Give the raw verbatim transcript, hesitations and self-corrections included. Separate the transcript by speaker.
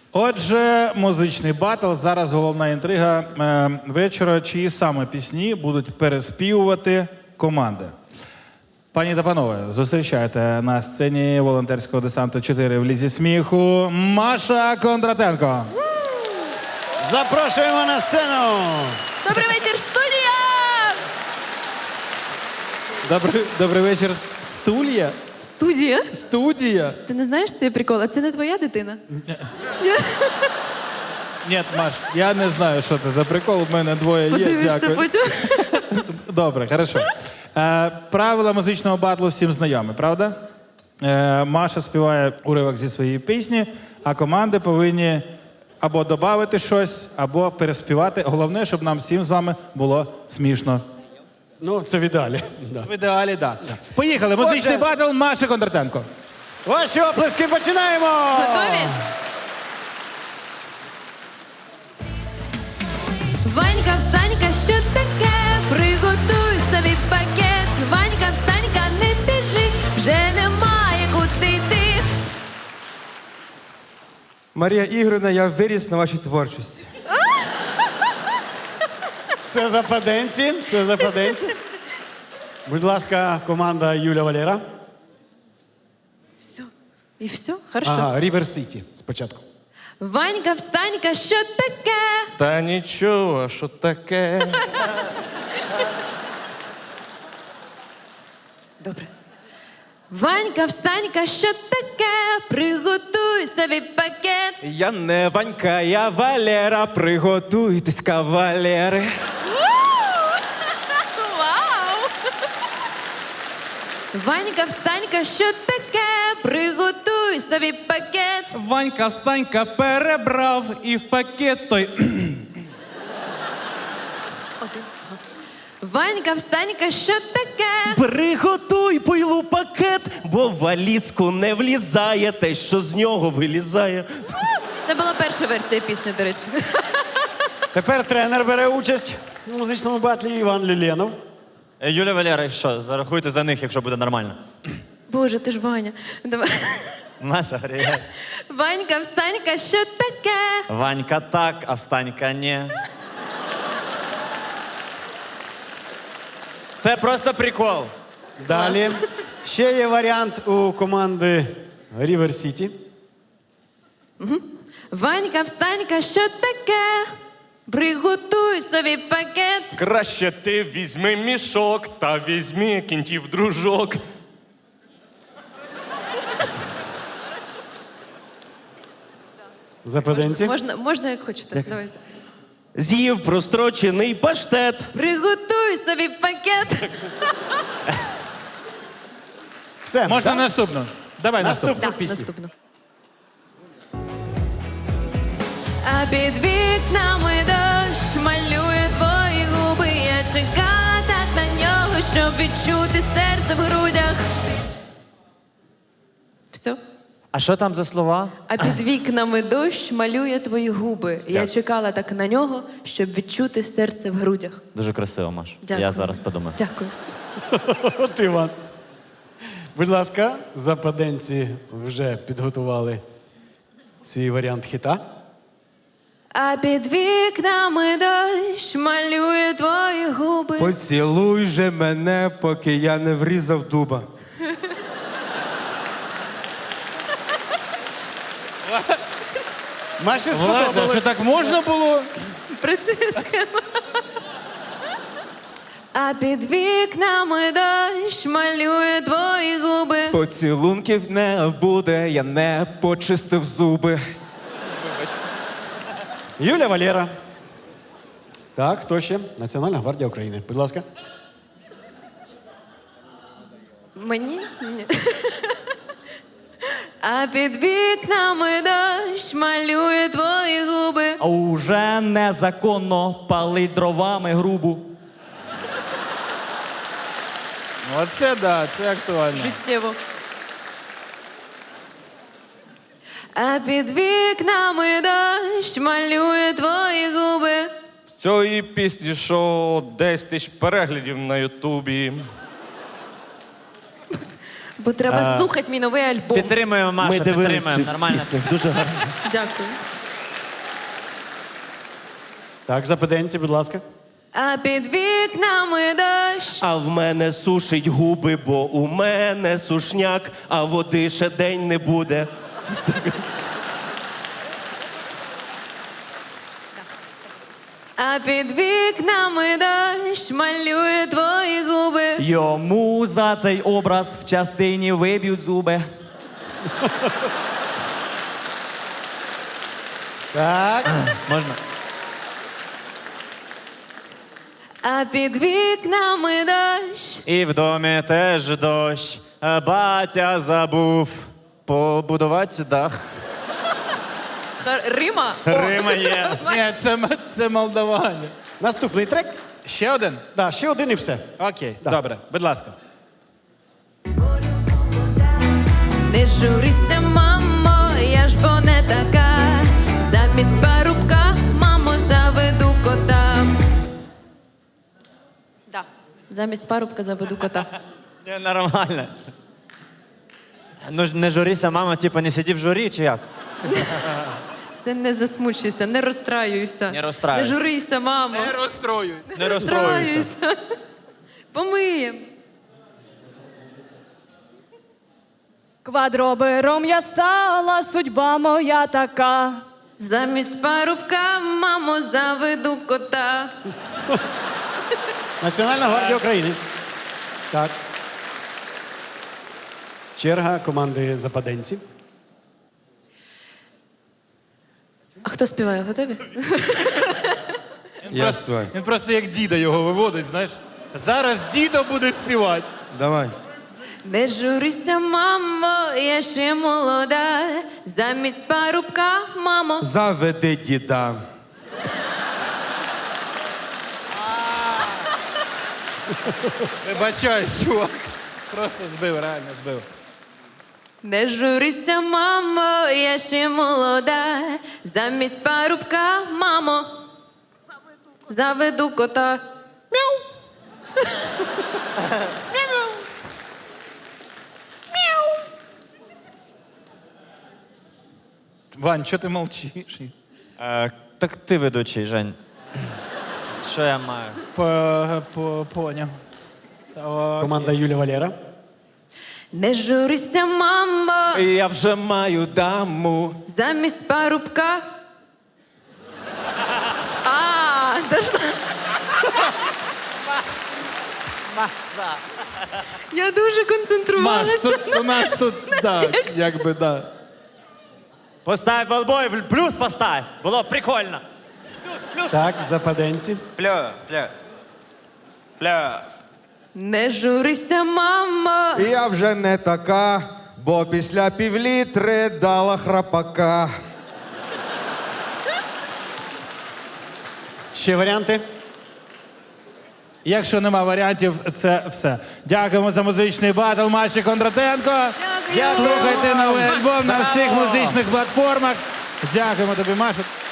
Speaker 1: Отже, музичний батл. Зараз головна інтрига е, вечора. Чиї саме пісні будуть переспівувати команди? Пані та панове, зустрічайте на сцені волонтерського десанту чотири в лізі сміху Маша Кондратенко.
Speaker 2: Запрошуємо на сцену.
Speaker 3: Добрий вечір, студія!
Speaker 1: Добрий, добрий вечір, студія.
Speaker 3: Студія?
Speaker 1: Студія.
Speaker 3: Ти не знаєш цей прикол? А це не твоя дитина?
Speaker 1: Ні, Маш, я не знаю, що це за прикол. У мене двоє є.
Speaker 3: Подивишся
Speaker 1: Дякую.
Speaker 3: потім.
Speaker 1: Добре, хорошо. Е, правила музичного батлу всім знайомі, правда? Е, Маша співає уривок зі своєї пісні, а команди повинні або додати щось, або переспівати. Головне, щоб нам всім з вами було смішно.
Speaker 2: Ну, це в ідеалі. Да.
Speaker 1: В ідеалі, так. Да. Поїхали. Музичний
Speaker 2: Отже.
Speaker 1: батл Маші Кондратенко.
Speaker 2: Ваші оплески, починаємо!
Speaker 3: Готові? Ванька, встанька, що таке? Приготуй собі пакет. Ванька, встанька, не біжи, вже немає куди йти.
Speaker 4: Марія Ігорівна, я виріс на вашій творчості.
Speaker 2: Це западенці, це западенці. Будь ласка, команда Юля Валера.
Speaker 3: Все. І все? Хорошо.
Speaker 2: Ага, Рівер Сіті спочатку.
Speaker 3: Ванька, встанька, що таке?
Speaker 5: Та нічого, що таке.
Speaker 3: Добре. Ванька, встанька, що таке? Приготуй собі пакет.
Speaker 4: Я не Ванька, я Валера. Приготуйтесь, кавалери.
Speaker 3: Вау! Ванька, встанька, що таке? Приготуй собі пакет.
Speaker 6: Ванька, встанька перебрав і в пакет той.
Speaker 3: Ванька, встанька, що таке?
Speaker 7: Приготуй пойлу пакет, бо в валізку не влізає те, що з нього вилізає.
Speaker 3: Це була перша версія пісні, до речі.
Speaker 2: Тепер тренер бере участь у музичному батлі Іван Люленов.
Speaker 8: Е, Юля Валера, що, зарахуйте за них, якщо буде нормально.
Speaker 3: Боже, ти ж Ваня. Давай.
Speaker 8: Маша, привіт.
Speaker 3: Ванька, встанька, що таке?
Speaker 8: Ванька так, а встанька ні. Це просто прикол.
Speaker 2: Далі. Ще є варіант у команди Рівер Сіті.
Speaker 3: Ванька, встанька, що таке? Приготуй собі пакет.
Speaker 5: Краще ти візьми мішок та візьми кінтів дружок.
Speaker 2: Западенці.
Speaker 3: Можна, можна як хочете. Давайте.
Speaker 7: З'їв прострочений паштет.
Speaker 3: Приготуй собі пакет.
Speaker 2: Все.
Speaker 1: Можна
Speaker 2: так?
Speaker 1: наступну? Давай наступну.
Speaker 2: Наступну
Speaker 3: Так,
Speaker 2: пісню.
Speaker 3: наступно. А під вікнами дощ малює твої губи. Я чекала так на нього, щоб відчути серце в грудях. Все.
Speaker 8: А що там за слова?
Speaker 3: А під вікнами дощ малює твої губи. Я чекала так на нього, щоб відчути серце в грудях.
Speaker 8: Дуже красиво, Маш.
Speaker 3: Дякую.
Speaker 8: Я зараз подумаю.
Speaker 3: Дякую.
Speaker 2: От Іван. Будь ласка, западенці вже підготували свій варіант хіта.
Speaker 3: А під вікнами дощ малює твої губи.
Speaker 4: Поцілуй же мене, поки я не врізав дуба.
Speaker 2: Маші
Speaker 1: Влада, що
Speaker 2: сподобалось.
Speaker 1: так можна було?
Speaker 3: Працює схема. А під вікнами дощ малює твої губи.
Speaker 4: Поцілунків не буде, я не почистив зуби.
Speaker 2: Юля Валера. Так, хто ще? Національна гвардія України. Будь ласка.
Speaker 3: Мені? Ні. А під вікнами дощ малює твої губи.
Speaker 6: А уже незаконно палить дровами грубу.
Speaker 1: Оце да, це актуально.
Speaker 3: Життєво. А під вікнами дощ малює твої губи.
Speaker 5: В цієї пісні, що десять тисяч переглядів на Ютубі.
Speaker 3: Бо треба слухати мій новий альбом.
Speaker 8: Підтримуємо, Маша,
Speaker 7: Ми дивилися
Speaker 8: підтримуємо.
Speaker 7: цю
Speaker 8: Нормально.
Speaker 7: пісню. Дуже гарно.
Speaker 3: Дякую.
Speaker 2: Так, западенці, будь ласка.
Speaker 3: А під вікнами дощ.
Speaker 7: А в мене сушить губи, бо у мене сушняк, а води ще день не буде.
Speaker 3: А під вікнами дощ малює твої губи.
Speaker 6: Йому за цей образ в частині виб'ють зуби.
Speaker 2: Так.
Speaker 8: Можна?
Speaker 3: А під вікнами дощ.
Speaker 8: І в домі теж дощ. А Батя забув побудувати дах.
Speaker 3: Хар- Рима.
Speaker 8: Рима є.
Speaker 1: Ні, це, м- це Молдаваня.
Speaker 2: Наступний трек.
Speaker 1: Ще один?
Speaker 2: Да, ще один і все.
Speaker 1: Окей,
Speaker 2: Да.
Speaker 1: добре, будь ласка.
Speaker 3: Не журися, мамо, я ж бо не така. Замість парубка, мамо, заведу кота. Да. Замість парубка заведу кота.
Speaker 8: Ні, нормально. Ну ж не журися, мама, типа не сиді в журі, чи як?
Speaker 3: Це не засмучуйся, не розстраюйся.
Speaker 8: Не розстраюйся.
Speaker 3: Не журися, мамо.
Speaker 1: Не розстроюй.
Speaker 8: Не розстроюйся.
Speaker 3: Розстраюйся. Помиєм.
Speaker 9: Квадробером я стала, судьба моя така.
Speaker 3: Замість парубка, мамо, заведу кота.
Speaker 2: Національна гвардія України. Так. Черга команди западенці.
Speaker 3: А хто співає? Готові?
Speaker 1: Він, просто, він просто як діда його виводить, знаєш. Зараз дідо буде співати.
Speaker 7: Давай.
Speaker 3: Не журися, мамо, я ще молода. Замість парубка, мамо.
Speaker 7: Заведи діда.
Speaker 1: Вибачаюсь, чувак. Просто збив, реально збив.
Speaker 3: Не журися, мамо, я ще молода. Замість парубка, мамо. Заведу кота.
Speaker 1: Вань, що ти мовчиш?
Speaker 8: Е, так ти ведучий, Жень. Що я маю?
Speaker 1: По, по, поняв. Окей.
Speaker 2: Команда Юля Валера.
Speaker 3: Не журися, мамо.
Speaker 4: Я вже маю даму.
Speaker 3: Замість парубка. А, дошла. Я дуже
Speaker 1: Маш,
Speaker 3: концентрувалася.
Speaker 1: тут у нас тут, да, якби, да.
Speaker 8: Постав болбой, плюс постав. Було б прикольно.
Speaker 2: Так, западенці.
Speaker 8: Плюс, плюс. Плюс.
Speaker 3: Не журися, мамо.
Speaker 10: Я вже не така, бо після півлітри дала храпака.
Speaker 2: Ще варіанти?
Speaker 1: Якщо нема варіантів, це все. Дякуємо за музичний батл Маші Кондратенко.
Speaker 3: Дякую.
Speaker 1: Слухайте новий альбом на всіх музичних платформах. Дякуємо тобі, Маша.